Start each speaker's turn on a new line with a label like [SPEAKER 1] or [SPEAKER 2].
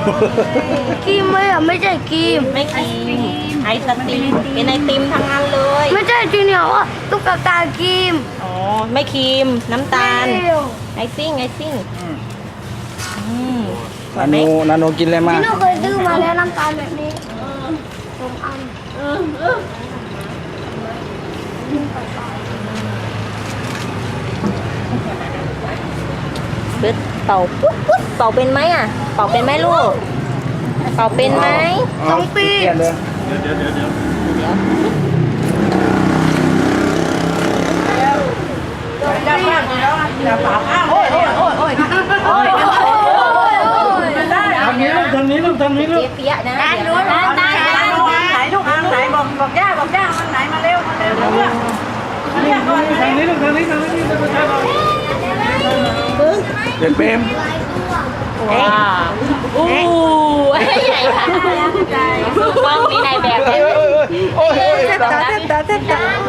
[SPEAKER 1] ครีมไหมอ่ะไม่ใช่ครีม
[SPEAKER 2] ไม่ครีมไอศครีมเป็นไอติมทั้งนั้นเลย
[SPEAKER 1] ไม่ใช่จริงเนี่ยว่าตุ๊กตาครีม
[SPEAKER 2] อ๋อไม่ครีมน้ำตาล
[SPEAKER 1] ไม่เร็ว
[SPEAKER 2] ไอซิ่งสว
[SPEAKER 3] นาย
[SPEAKER 2] ไหม
[SPEAKER 3] โนกินอะไรมา
[SPEAKER 1] พี่หนูเคยซื้อมาแล้วน้ำตาลแบบนี้ผมอัน
[SPEAKER 2] ปึ๊ดเป่าปุ๊บปุ๊บเป่าเป็นไหมอ่ะเป่าเป็นไหมลูกเป่าเป็นไหม
[SPEAKER 1] 2 ปี
[SPEAKER 3] เปลี่ยนเลย ทางนี้ลูกทางนี้ลูกทางนี้ลูก
[SPEAKER 2] เปียกๆนะได้
[SPEAKER 4] ไหนลูกไหนบอกย่ามันไหนมาเร็วเรียกก่อน
[SPEAKER 3] ทางนี้ลูกทางนี้เด็กเปรม
[SPEAKER 2] ว้าอู้ใหญ่ค่ะกล้องนี้นายแบบเลย
[SPEAKER 3] โอ้ย
[SPEAKER 4] เต็มตา